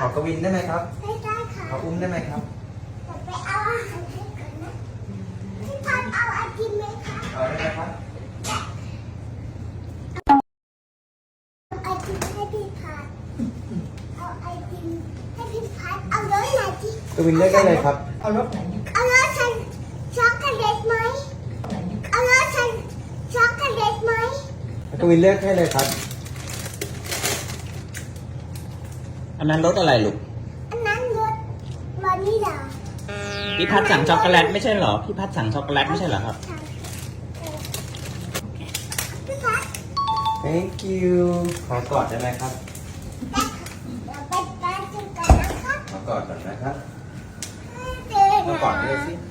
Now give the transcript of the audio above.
ขอกวินได้ไหมครับไม่ได้ค่ะขออุ้มได้ไหมครับจะไปเอาอาหารให้ก่อนนะพี่พัดเอาไอติมไหมคะเอาได้ไหมครับไอติมให้พี่พัดเอาไอติมให้พี่พัดเอารสไหนที่กวินเลือกได้เลยครับเอารถไหนดีเอารสช็อกโกแลตไหมเอารสช็อกโกแลตไหมกวินเลือกให้เลยครับอันนั้นรสอะไรลูกอันนั้นรสวานิลาพี่พัดสั่งช็อกโกแลตไม่ใช่เหรอ พี่พัดสั่งช็อกโกแลตไม่ใช่เหรอครับพี่พัด thank you ขอกอดได้ไหมครับเราไปกันกันนะครับขอกอดก่อนนะครับเดินขอกอดด้วยสิ